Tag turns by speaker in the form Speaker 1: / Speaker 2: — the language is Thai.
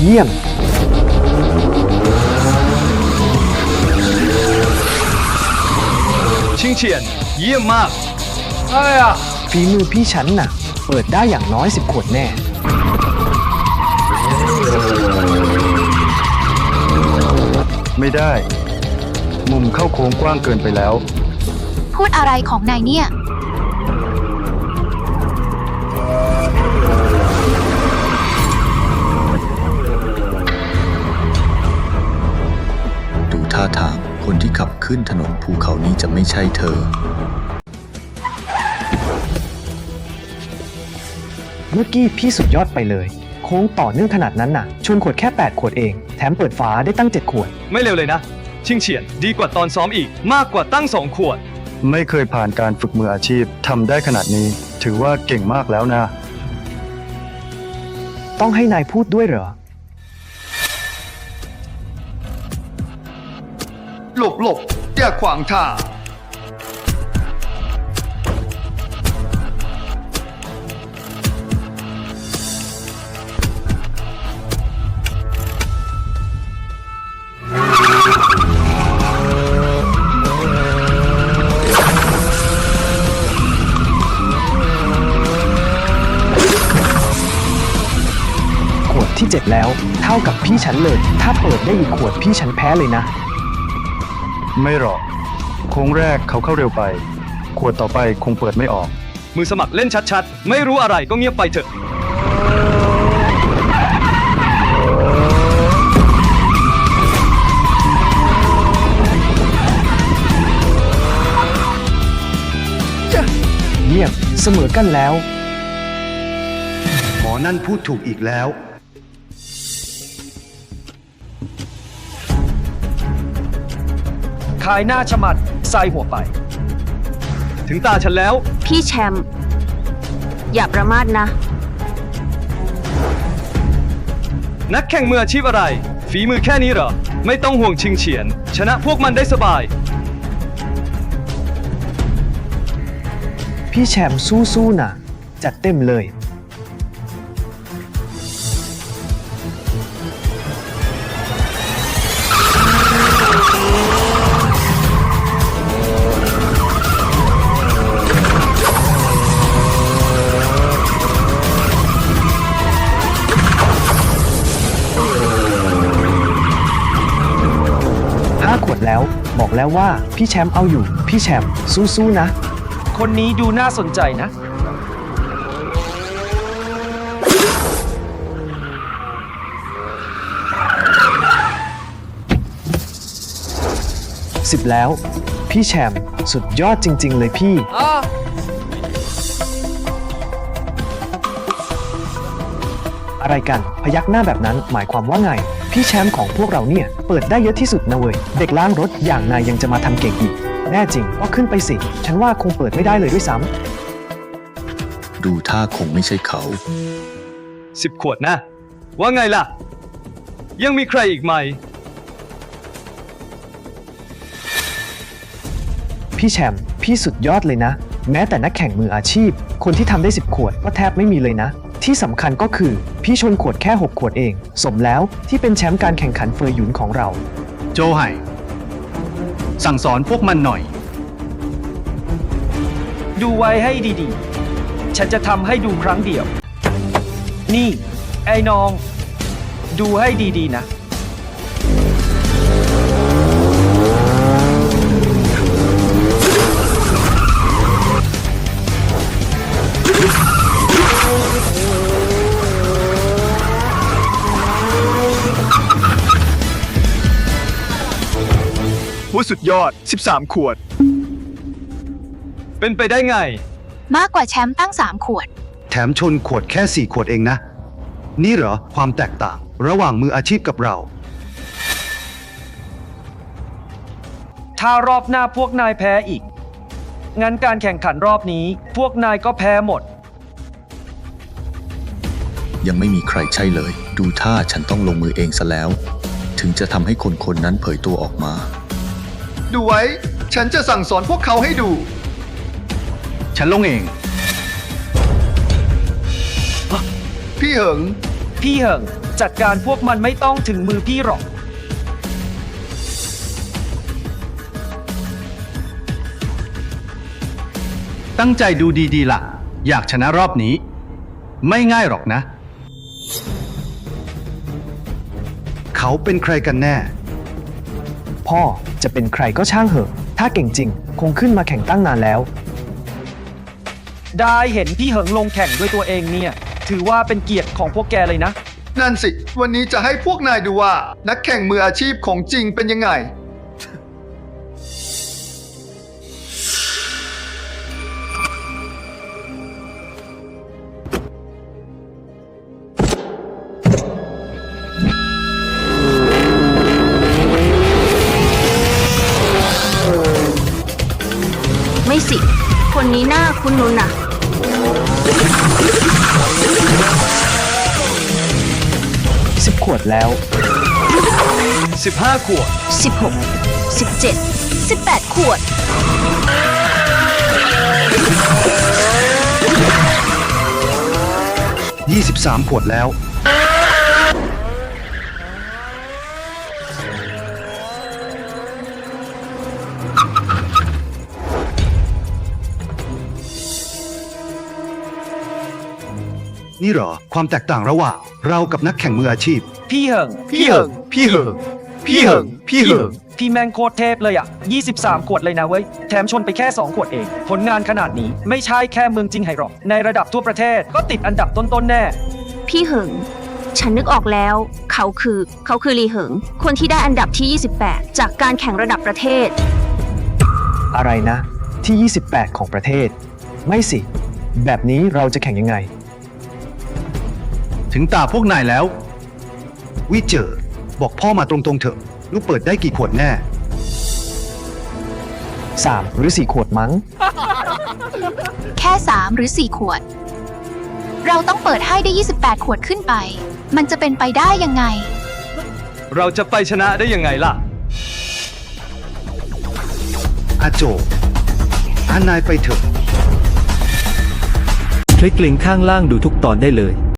Speaker 1: เยี่ยม
Speaker 2: ชิงเฉียนเยี่ยมมาก
Speaker 1: ฝีมือพี่ฉันน่ะ เปิดได้อย่างน้อย10 ขวดแน่
Speaker 3: ไม่ได้ มุมเข้าโค้งกว้างเกินไปแล้ว
Speaker 4: พูดอะไรของนายเนี่ย
Speaker 5: ดูท่าทางคนที่ขับขึ้นถนนภูเขานี้จะไม่ใช่เธอ
Speaker 1: เมื่อกี้พี่สุดยอดไปเลย โค้งต่อเนื่องขนาดนั้นน่ะ ชนขวดแค่8 ขวดเอง แถมเปิดฝาได้ตั้ง7 ขวด
Speaker 2: ไม่เร็วเลยนะ ชิงเฉียนดีกว่าตอนซ้อมอีกมากกว่าตั้ง2 ขวด
Speaker 3: ไม่เคยผ่านการฝึกมืออาชีพทำได้ขนาดนี้ ถือว่าเก่งมากแล้วนะ
Speaker 1: ต้องให้นายพูดด้วยเหรอ
Speaker 6: หลบอย่าขวางทาง
Speaker 1: ขวดที่ 7 แล้ว เท่ากับพี่ฉันเลย ถ้าเปิดได้อีกขวดพี่ฉันแพ้เลยนะ
Speaker 3: ไม่หรอก โค้งแรกเขาเข้าเร็วไป ขวดต่อไปคงเปิดไม่ออก
Speaker 2: มือสมัครเล่นชัดๆ ไม่รู้อะไรก็เงียบไปเถอะ
Speaker 1: เยี่ยมเสมอกันแล้ว
Speaker 6: หมอนั่นพูดถูกอีกแล้ว
Speaker 7: ขายหน้าฉมัดใส่หัวไป
Speaker 2: ถึงตาฉันแล้ว
Speaker 8: พี่แชมป์อย่าประมาทนะ
Speaker 2: นักแข่งมืออาชีพอะไร ฝีมือแค่นี้เหรอ ไม่ต้องห่วงชิงเฉียน ชนะพวกมันได้สบาย
Speaker 1: พี่แชมป์สู้ๆนะจัดเต็มเลย 5 ขวดแล้ว บอกแล้วว่าพี่แชมป์เอาอยู่ พี่แชมป์สู้ๆนะ
Speaker 7: คนนี้ดูน่าสนใจนะ
Speaker 1: 10 แล้ว พี่แชมป์สุดยอดจริง ๆ เลยพี่ อะไรกันพยักหน้าแบบนั้นหมายความว่าไง พี่แชมป์ของพวกเราเนี่ย เปิดได้เยอะที่สุดนะเว้ย เด็กล้างรถอย่างนายยังจะมาทำเก่งอีก แน่จริงก็ขึ้นไปสิ ฉันว่าคงเปิดไม่ได้เลยด้วยซ้ำ
Speaker 5: ดูท่าคงไม่ใช่เขา
Speaker 2: 10 ขวดนะ ว่าไงล่ะ ยังมีใครอีกไหม
Speaker 1: พี่แชมป์พี่สุดยอดเลยนะ แม้แต่นักแข่งมืออาชีพ คนที่ทำได้10 ขวดก็แทบไม่มีเลยนะ ที่สำคัญก็คือพี่ชนขวดแค่6 ขวดเอง สมแล้วที่เป็นแชมป์การแข่งขันเฟยหยุนของเรา
Speaker 6: โจไห่สั่งสอนพวกมันหน่อย
Speaker 7: ดูไว้ให้ดีๆ ฉันจะทำให้ดูครั้งเดียว นี่ ไอ้น้อง ดูให้ดีๆนะ
Speaker 6: ว่าสุดยอด 13 ขวด
Speaker 2: เป็นไปได้ไง
Speaker 4: มากกว่าแชมป์ตั้ง3 ขวด
Speaker 6: แถมชนขวดแค่ 4 ขวดเองนะ นี่เหรอความแตกต่าง ระหว่างมืออาชีพกับเรา
Speaker 7: ถ้ารอบหน้าพวกนายแพ้อีก งั้นการแข่งขันรอบนี้ พวกนายก็แพ้หมด
Speaker 5: ยังไม่มีใครใช่เลย ดูท่าฉันต้องลงมือเองซะแล้ว ถึงจะทำให้คนคนนั้นเผยตัวออกมา
Speaker 6: ดูไว้ ฉันจะสั่งสอนพวกเขาให้ดู ฉันลงเอง พี่เหิง
Speaker 7: พี่เหิงจัดการพวกมันไม่ต้องถึงมือพี่หรอก
Speaker 3: ตั้งใจดูดีๆล่ะ อยากชนะรอบนี้ ไม่ง่ายหรอกนะ
Speaker 6: เขาเป็นใครกันแน่
Speaker 1: พ่อจะเป็นใครก็ช่างเหอะ ถ้าเก่งจริง คงขึ้นมาแข่งตั้งนานแล้ว
Speaker 7: ได้เห็นพี่เหิงลงแข่งด้วยตัวเองเนี่ย ถือว่าเป็นเกียรติของพวกแกเลยนะ
Speaker 9: นั่นสิ วันนี้จะให้พวกนายดูว่านักแข่งมืออาชีพของจริงเป็นยังไง
Speaker 8: ไม่สิ คนนี้หน้าคุณนุนน่ะ
Speaker 1: 10 ขวดแล้ว
Speaker 2: 15 ขวด
Speaker 8: 16 17 18 ขวด
Speaker 6: 23 ขวดแล้ว นี่เหรอ ความแตกต่างระหว่างเรากับนักแข่งมืออาชีพ
Speaker 7: พี่เหิง
Speaker 9: พี่เหิง พี่เหิง พี่เหิง พี่เหิง
Speaker 7: พี่แมงโคตรเทพเลยอ่ะ 23 ขวดเลยนะเว้ย แถมชนไปแค่ 2 ขวดเอง ผลงานขนาดนี้ไม่ใช่แค่เมืองจิงไห่หรอก ในระดับทั่วประเทศก็ติดอันดับต้นๆแน่
Speaker 8: พี่เหิง ฉันนึกออกแล้ว เขาคือลีเหิง คนที่ได้อันดับที่ 28 จากการแข่งระดับประเทศ
Speaker 1: อะไรนะ ที่ 28 ของประเทศ ไม่สิ แบบนี้เราจะแข่งยังไง
Speaker 3: ถึงตาพวกนายแล้ว
Speaker 6: วิเจอ บอกพ่อมาตรงๆเถอะ ลูกเปิดได้กี่ขวดแน่
Speaker 1: 3 หรือ 4 ขวดมั้ง
Speaker 4: แค่ 3 หรือ 4 ขวด เราต้องเปิดให้ได้ 28 ขวดขึ้นไป มันจะเป็นไปได้ยังไง
Speaker 2: เราจะไปชนะได้ยังไงล่ะ
Speaker 6: อาโจนายไปเถอะ
Speaker 10: คลิกลิงก์ข้างล่างดูทุกตอนได้เลย